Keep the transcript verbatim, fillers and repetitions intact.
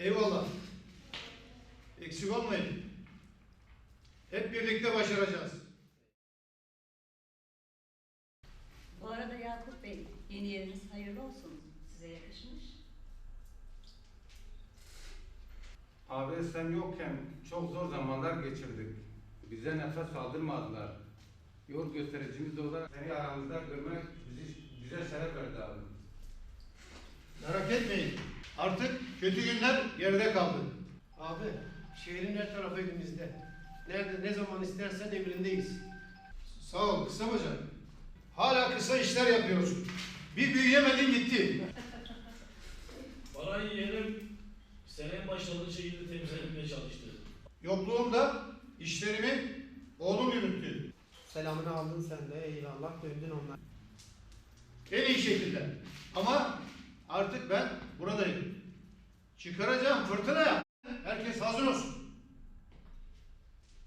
Eyvallah. Eksik olmayın. Hep birlikte başaracağız. Bu arada Yakup Bey, yeni yeriniz hayırlı olsun. Size yakışmış. Abi sen yokken çok zor zamanlar geçirdik. Bize nefes aldırmadılar. Yol göstericimiz olarak seni aramızda görmek bizi, bize şeref verdi abi. Merak etmeyin. Artık kötü günler geride kaldı. Abi, şehrin her tarafı elimizde. Nerede, ne zaman istersen emrindeyiz. Sağ ol kısa bacak. Hala kısa işler yapıyorsun. Bir büyüyemedin gitti. Parayı yeğenim seneye başladığı şekilde temizlemeye çalıştı. Yokluğumda işlerimi oğlum yürüttü. Selamını aldın sen de, eyvallah, döndün onlar. En iyi şekilde. Ama artık ben buradayım. Çıkaracağım fırtınaya. Herkes hazır olsun.